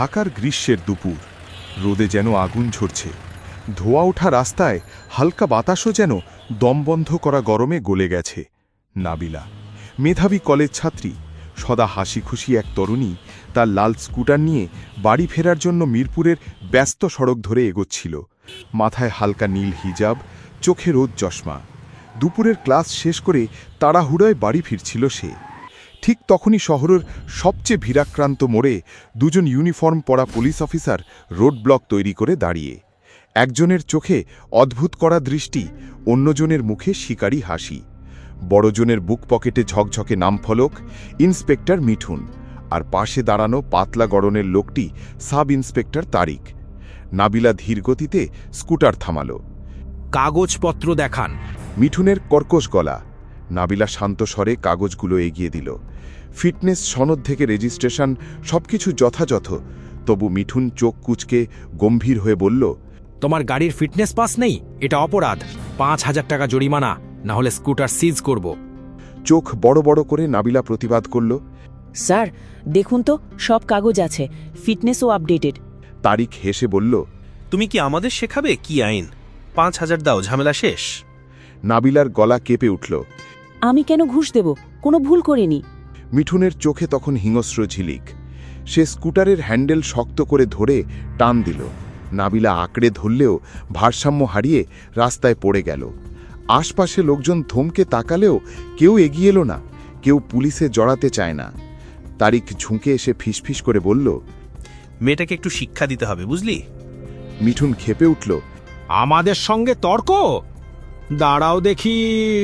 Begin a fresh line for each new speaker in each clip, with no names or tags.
ঢাকার গ্রীষ্মের দুপুর, রোদে যেন আগুন ঝরছে। ধোয়া ওঠা রাস্তায় হালকা বাতাসও যেন দমবন্ধ করা গরমে গলে গেছে। নাবিলা, মেধাবী কলেজ ছাত্রী, সদা হাসি খুশি এক তরুণী, তার লাল স্কুটার নিয়ে বাড়ি ফেরার জন্য মিরপুরের ব্যস্ত সড়ক ধরে এগোচ্ছিল। মাথায় হালকা নীল হিজাব, চোখে রোদ চশমা। দুপুরের ক্লাস শেষ করে তাড়াহুড়োয় বাড়ি ফিরছিল সে। ঠিক তখনই শহরের সবচেয়ে ভিড়াক্রান্ত মোড়ে দুজন ইউনিফর্ম পরা পুলিশ অফিসার রোড ব্লক তৈরি করে দাঁড়িয়ে। একজনের চোখে অদ্ভুত করা দৃষ্টি, অন্যজনের মুখে শিকারী হাসি। বড়জনের বুক পকেটে ঝকঝকে নামফলক, ইন্সপেক্টর মিঠুন, আর পাশে দাঁড়ানো পাতলা গড়নের লোকটি সাব ইন্সপেক্টর তারিক। নাবিলা ধীরগতিতে স্কুটার থামাল।
কাগজপত্র দেখান।
মিঠুনের কর্কশ গলা। নাবিলা শান্ত স্বরে কাগজগুলো এগিয়ে দিল। ফিটনেস সনদ থেকে রেজিস্ট্রেশন, সবকিছু যথাযথ। তবু মিঠুন চোখ কুঁচকে গম্ভীর হয়ে বলল,
তোমার গাড়ির ফিটনেস পাস নেই, এটা অপরাধ। ৫,০০০ টাকা জরিমানা, না হলে স্কুটার সিজ করব।
চোখ বড় বড় করে নাবিলা প্রতিবাদ করল,
স্যার দেখুন তো, সব কাগজ আছে, ফিটনেসও আপডেটেড।
তারিক হেসে বলল,
তুমি কি আমাদের শেখাবে কি আইন? ৫,০০০ দাও, ঝামেলা শেষ।
নাবিলার গলা কেঁপে উঠল।
আমি কেন ঘুষ দেব? কোনো ভুল করিনি।
মিঠুনের চোখে তখন হিংস্র ঝিলিক। সে স্কুটারের হ্যান্ডেল শক্ত করে ধরে টান দিল। নাবিলা আঁকড়ে ধরলেও ভারসাম্য হারিয়ে রাস্তায় পড়ে গেল। আশপাশে লোকজন থমকে তাকালেও কেউ এগিয়ে এলো না, কেউ পুলিশে জড়াতে চায় না। তারিক ঝুঁকে এসে ফিসফিস করে বলল,
মেয়েটাকে একটু শিক্ষা দিতে হবে, বুঝলি?
মিঠুন ক্ষেপে উঠল।
আমাদের সঙ্গে তর্ক? দাঁড়াও দেখি।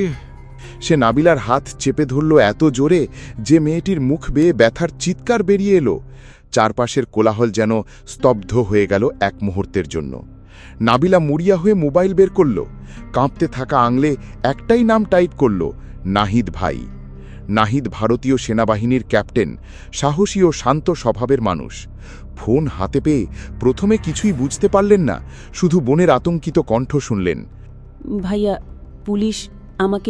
সে নাবিলার হাত চেপে ধরল এত জোরে যে মেয়েটির মুখ বেয়ে ব্যথার চিৎকার বেরিয়ে এলো। চারপাশের কোলাহল যেন স্তব্ধ হয়ে গেল এক মুহূর্তের জন্য। নাবিলা মুড়িয়া হয়ে মোবাইল বের করল। কাঁপতে থাকা আঙুলে একটাই নাম টাইপ করল, নাহিদ ভাই। নাহিদ ভারতীয় সেনাবাহিনীর ক্যাপ্টেন, সাহসী ও শান্ত স্বভাবের মানুষ। ফোন হাতে পেয়ে প্রথমে কিছুই বুঝতে পারলেন না, শুধু বোনের আতঙ্কিত কণ্ঠ শুনলেন।
ভাইয়া, পুলিশ আমাকে।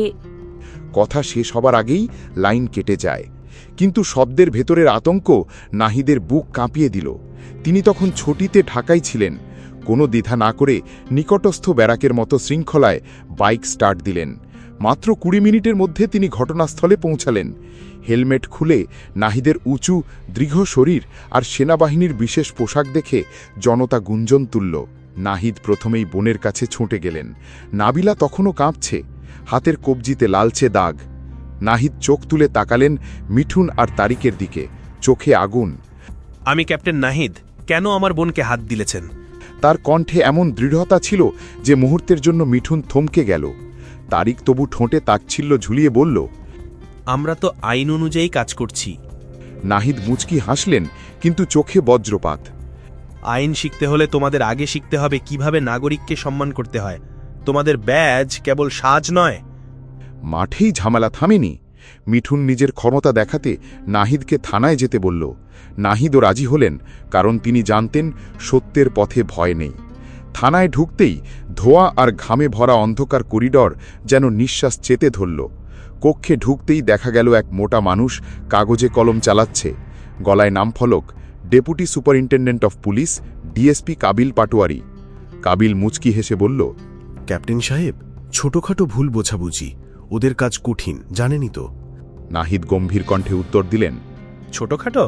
কথা শেষ হবার আগেই লাইন কেটে যায়। কিন্তু শব্দের ভেতরের আতঙ্ক নাহিদের বুক কাঁপিয়ে দিল। তিনি তখন ছুটিতে ঢাকায় ছিলেন। কোনো দ্বিধা না করে নিকটস্থ ব্যারাকের মতো শৃঙ্খলায় বাইক স্টার্ট দিলেন। মাত্র ২০ মিনিটের মধ্যে তিনি ঘটনাস্থলে পৌঁছালেন। হেলমেট খুলে নাহিদের উঁচু দৃঢ় শরীর আর সেনাবাহিনীর বিশেষ পোশাক দেখে জনতা গুঞ্জন তুলল। নাহিদ প্রথমেই বোনের কাছে ছুটে গেলেন। নাবিলা তখনও কাঁপছে, হাতের কবজিতে লালচে দাগ। নাহিদ চোখ তুলে তাকালেন মিঠুন আর তারিকের দিকে, চোখে আগুন।
আমি ক্যাপ্টেন নাহিদ, কেন আমার বোনকে হাত দিলেছেন?
তার কণ্ঠে এমন দৃঢ়তা ছিল যে মুহূর্তের জন্য মিঠুন থমকে গেল। তারিক তবু ঠোঁটে তাচ্ছিল্য ঝুলিয়ে বলল,
আমরা তো আইন অনুযায়ী কাজ করছি।
নাহিদ মুচকি হাসলেন, কিন্তু চোখে বজ্রপাত।
আইন শিখতে হলে তোমাদের আগে শিখতে হবে কিভাবে নাগরিককে সম্মান করতে হয়। তোমাদের ব্যাজ কেবল সাজ নয়।
মাঠেই ঝামেলা থামেনি। মিঠুন নিজের ক্ষমতা দেখাতে নাহিদকে থানায় যেতে বলল। নাহিদও রাজি হলেন, কারণ তিনি জানতেন সত্যের পথে ভয় নেই। থানায় ঢুকতেই ধোঁয়া আর ঘামে ভরা অন্ধকার করিডর যেন নিঃশ্বাস চেতে ধরল। কক্ষে ঢুকতেই দেখা গেল এক মোটা মানুষ কাগজে কলম চালাচ্ছে। গলায় নামফলক, deputy superintendent of police, DSP Kabil Patwari. Kabil মুচকি হেসে বলল,
ক্যাপ্টেন সাহেব, ছোটখাটো ভুল বোঝাবুঝি, ওদের কাজ কঠিন, জানেনই তো।
নাহিদ গম্ভীর কণ্ঠে উত্তর দিলেন,
ছোটখাটো?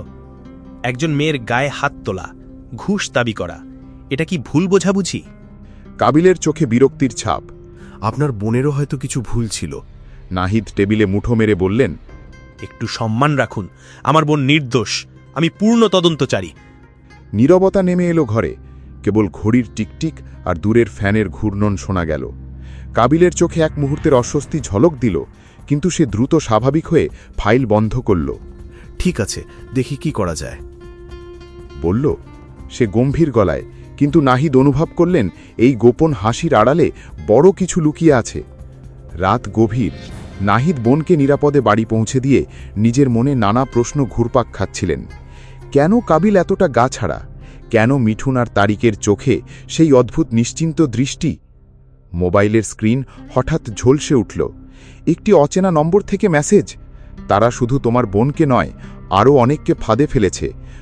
একজন মেয়ের গায়ে হাত তোলা, ঘুষ দাবি করা, এটা কি ভুল বোঝাবুঝি?
কাবিলের চোখে বিরক্তির ছাপ।
আপনার বোনেরও হয়তো কিছু ভুল ছিল।
নাহিদ টেবিলে মুঠো মেরে বললেন,
একটু সম্মান রাখুন, আমার বোন নির্দোষ, আমি পূর্ণ তদন্তচারী।
নীরবতা নেমে এলো ঘরে। কেবল ঘড়ির টিকটিক আর দূরের ফ্যানের ঘূর্ণন শোনা গেল। কাবিলের চোখে এক মুহূর্তের অস্বস্তি ঝলক দিল, কিন্তু সে দ্রুত স্বাভাবিক হয়ে ফাইল বন্ধ করল।
ঠিক আছে, দেখি কি করা যায়
বলল সে গম্ভীর গলায়, কিন্তু নাহিদ অনুভব করলেন এই গোপন হাসির আড়ালে বড় কিছু লুকিয়ে আছে। রাত গভীর। নাহিদ বোনকে নিরাপদে বাড়ি পৌঁছে দিয়ে নিজের মনে নানা প্রশ্ন ঘুরপাক খাচ্ছিলেন। কেন কাবিল এতটা গা ছাড়া? কেন মিঠুন আর তারিকের চোখে সেই অদ্ভুত নিশ্চিন্ত দৃষ্টি? মোবাইলের স্ক্রিন হঠাৎ ঝলসে উঠল। একটি অচেনা নম্বর থেকে মেসেজ। তারা শুধু তোমার বোনকে নয়, আরও অনেককে ফাঁদে ফেলেছে।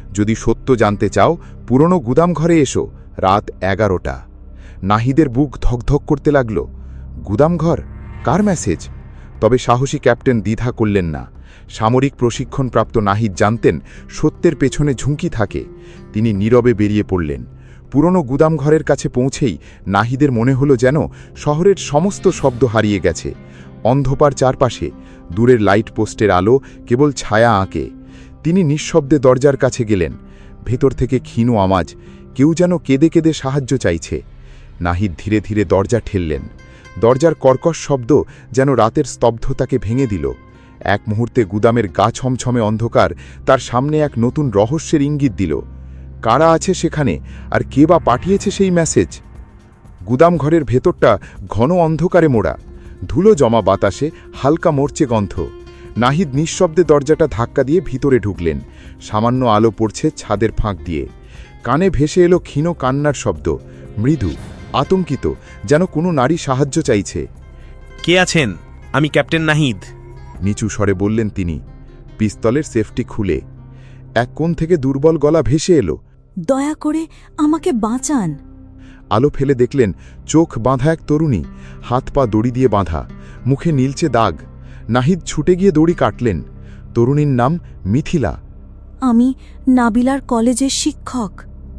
যদি সত্য জানতে চাও পুরনো গুদামঘরে এসো, রাত 11টা। নাহিদের বুক ধকধক করতে লাগল। গুদামঘর? কার মেসেজ? তবে সাহসী ক্যাপ্টেন দ্বিধা করলেন না। সামরিক প্রশিক্ষণপ্রাপ্ত নাহিদ জানতেন সত্যের পেছনে ঝুঁকি থাকে। তিনি নীরবে বেরিয়ে পড়লেন। পুরনো গুদামঘরের কাছে পৌঁছেই নাহিদের মনে হলো যেন শহরের সমস্ত শব্দ হারিয়ে গেছে। অন্ধকার চারপাশে, দূরের লাইট পোস্টের আলো কেবল ছায়া আঁকে। তিনি নিঃশব্দে দরজার কাছে গেলেন। ভেতর থেকে ক্ষীণ আওয়াজ, কেউ যেন কেঁদে কেঁদে সাহায্য চাইছে। নাহিদ ধীরে ধীরে দরজা ঠেললেন। দরজার কর্কশ শব্দ যেন রাতের স্তব্ধতাকে ভেঙে দিল। এক মুহূর্তে গুদামের গা ছমছমে অন্ধকার তার সামনে এক নতুন রহস্যের ইঙ্গিত দিল। কারা আছে সেখানে, আর কে বা পাঠিয়েছে সেই মেসেজ? গুদামঘরের ভেতরটা ঘন অন্ধকারে মোড়া। ধুলো জমা বাতাসে হালকা মরচে গন্ধ। নাহিদ নিঃশব্দে দরজাটা ধাক্কা দিয়ে ভিতরে ঢুকলেন। সামান্য আলো পড়ছে ছাদের ফাঁক দিয়ে। কানে ভেসে এলো ক্ষীণ কান্নার শব্দ, মৃদু, আতঙ্কিত, যেন কোনো নারী সাহায্য চাইছে।
কে আছেন? আমি ক্যাপ্টেন নাহিদ।
নিচু স্বরে বললেন তিনি, পিস্তলের সেফটি খুলে। এক কোণ থেকে দুর্বল গলা ভেসে এলো,
দয়া করে আমাকে বাঁচান।
আলো ফেলে দেখলেন চোখ বাঁধা এক তরুণী, হাত পা দড়ি দিয়ে বাঁধা, মুখে নীলচে দাগ। নাহিদ ছুটে গিয়ে দড়ি কাটলেন। তরুণীর নাম মিথিলা।
আমি নাবিলার কলেজের শিক্ষক।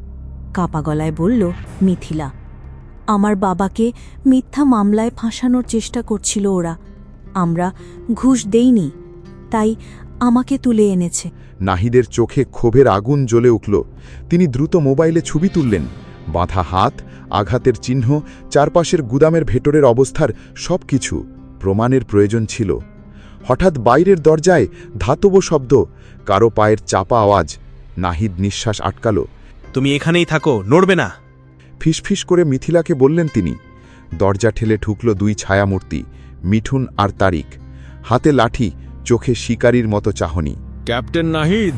কাপা গলায় বলল মিথিলা। আমার বাবাকে মিথ্যা মামলায় ফাঁসানোর চেষ্টা করছিল ওরা। আমরা ঘুষ দেইনি, তাই আমাকে তুলে এনেছে।
নাহিদের চোখে ক্ষোভের আগুন জ্বলে উঠল। তিনি দ্রুত মোবাইলে ছবি তুললেন। বাঁধা হাত, আঘাতের চিহ্ন, চারপাশের গুদামের ভেতরের অবস্থার সবকিছু প্রমাণের প্রয়োজন ছিল। হঠাৎ বাইরের দরজায় ধাতব শব্দ, কারো পায়ের চাপা আওয়াজ। নাহিদ নিঃশ্বাস আটকাল।
তুমি এখানেই থাকো, নড়বে না।
ফিসফিস করে মিথিলাকে বললেন তিনি। দরজা ঠেলে ঢুকল দুই ছায়ামূর্তি, মিঠুন আর তারিক। হাতে লাঠি, চোখে শিকারীর মতো চাহনি।
ক্যাপ্টেন নাহিদ,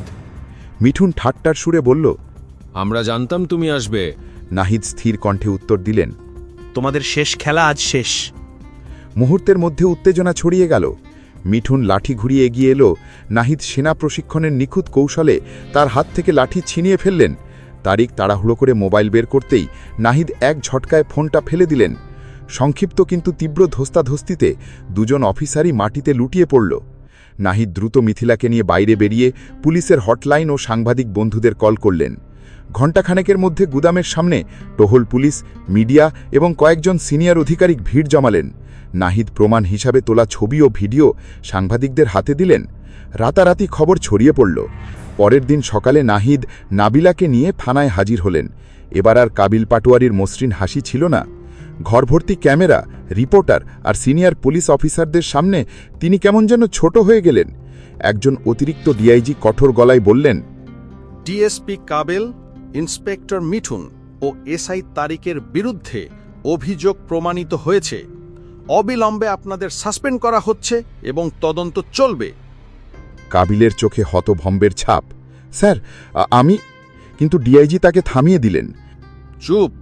মিঠুন ঠাট্টার সুরে বলল,
আমরা জানতাম তুমি আসবে।
নাহিদ স্থির কণ্ঠে উত্তর দিলেন,
তোমাদের শেষ খেলা আজ শেষ।
মুহূর্তের মধ্যে উত্তেজনা ছড়িয়ে গেল। মিঠুন লাঠি ঘুরিয়ে এগিয়ে এলো। নাহিদ সেনা প্রশিক্ষণের নিখুঁত কৌশলে তার হাত থেকে লাঠি ছিনিয়ে ফেললেন। তারিক তাড়াহুড়ো করে মোবাইল বের করতেই নাহিদ এক ঝটকায় ফোনটা ফেলে দিলেন। সংক্ষিপ্ত কিন্তু তীব্র ধস্তাধস্তিতে দুজন অফিসারই মাটিতে লুটিয়ে পড়ল। নাহিদ দ্রুত মিথিলাকে নিয়ে বাইরে বেরিয়ে পুলিশের হটলাইন ও সাংবাদিক বন্ধুদের কল করলেন। ঘণ্টাখানেকের মধ্যে গুদামের সামনে টহল পুলিশ, মিডিয়া এবং কয়েকজন সিনিয়র আধিকারিক ভিড় জমালেন। নাহিদ প্রমাণ হিসাবে তোলা ছবি ও ভিডিও সাংবাদিকদের হাতে দিলেন। রাতারাতি খবর ছড়িয়ে পড়ল। পরের দিন সকালে নাহিদ নাবিলাকে নিয়ে থানায় হাজির হলেন। এবার আর কাবিল পাটোয়ারির মসৃণ হাসি ছিল না। ঘরভর্তি ক্যামেরা, রিপোর্টার আর সিনিয়র পুলিশ অফিসারদের সামনে তিনি কেমন যেন ছোট হয়ে গেলেন। একজন অতিরিক্ত ডিআইজি কঠোর গলায় বললেন,
ডিএসপি কাবেল, ইন্সপেক্টর মিঠুন ও এসআই তারিকের বিরুদ্ধে অভিযোগ প্রমাণিত হয়েছে। অবিলম্বে আপনাদের সাসপেন্ড করা হচ্ছে এবং তদন্ত চলবে।
কাবিলের চোখে হতভম্বের ছাপ। স্যার, আমি... কিন্তু ডিআইজি তাকে থামিয়ে দিলেন।
চুপ!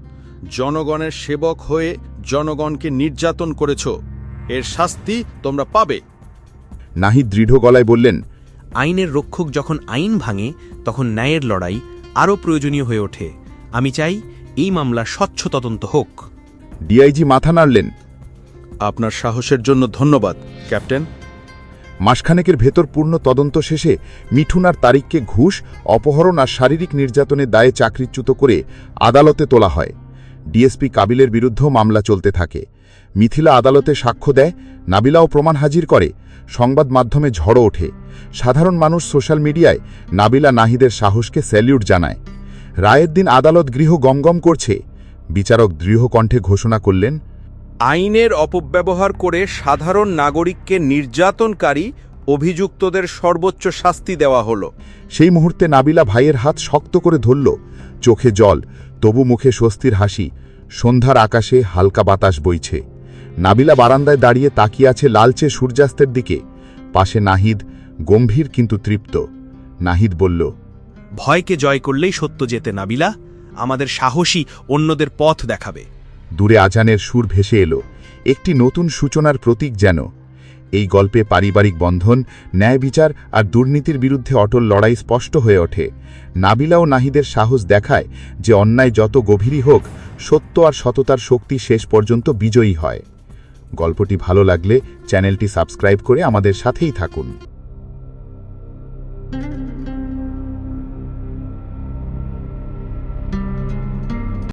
জনগণের সেবক হয়ে জনগণকে নির্যাতন করেছ, এর শাস্তি তোমরা পাবে।
নাহিদ দৃঢ় গলায় বললেন,
আইনের রক্ষক যখন আইন ভাঙে তখন ন্যায়ের লড়াই আরও প্রয়োজনীয় হয়ে ওঠে। আমি চাই এই মামলার স্বচ্ছ তদন্ত হোক।
ডিআইজি মাথা নাড়লেন।
আপনার সাহসের জন্য ধন্যবাদ, ক্যাপ্টেন।
মাসখানেকের ভেতর পূর্ণ তদন্ত শেষে মিঠুন আর তারিককে ঘুষ, অপহরণ আর শারীরিক নির্যাতনের দায়ে চাকরিচ্যুত করে আদালতে তোলা হয়। ডিএসপি কাবিলের বিরুদ্ধেও মামলা চলতে থাকে। মিথিলা আদালতে সাক্ষ্য দেয়, নাবিলাও প্রমাণ হাজির করে। সংবাদ মাধ্যমে ঝড়ো ওঠে। সাধারণ মানুষ সোশ্যাল মিডিয়ায় নাবিলা নাহিদের সাহসকে স্যালিউট জানায়। রায়ের দিন আদালত গৃহ গমগম করছে। বিচারক দৃঢ় কণ্ঠে ঘোষণা করলেন,
আইনের অপব্যবহার করে সাধারণ নাগরিককে নির্যাতনকারী অভিযুক্তদের সর্বোচ্চ শাস্তি দেওয়া হলো।
সেই মুহূর্তে নাবিলা ভাইয়ের হাত শক্ত করে ধরল। চোখে জল, তবু মুখে স্বস্তির হাসি। সন্ধ্যার আকাশে হালকা বাতাস বইছে। নাবিলা বারান্দায় দাঁড়িয়ে তাকিয়ে আছে লালচে সূর্যাস্তের দিকে। পাশে নাহিদ, গম্ভীর কিন্তু তৃপ্ত। নাহিদ বলল,
ভয়কে জয় করলেই সত্য জেতে নাবিলা। আমাদের সাহসী অন্যদের পথ দেখাবে।
দূরে আজানের সুর ভেসে এলো, একটি নতুন সূচনার প্রতীক যেন।
এই গল্পে পারিবারিক বন্ধন, ন্যায় বিচার আর দুর্নীতির বিরুদ্ধে অটল লড়াই স্পষ্ট হয়ে ওঠে। নাবিলা ও নাহিদের সাহস দেখায় যে অন্যায় যত গভীরই হোক, সত্য আর সততার শক্তি শেষ পর্যন্ত বিজয়ী হয়। গল্পটি ভালো লাগলে চ্যানেলটি সাবস্ক্রাইব করে আমাদের সাথেই থাকুন।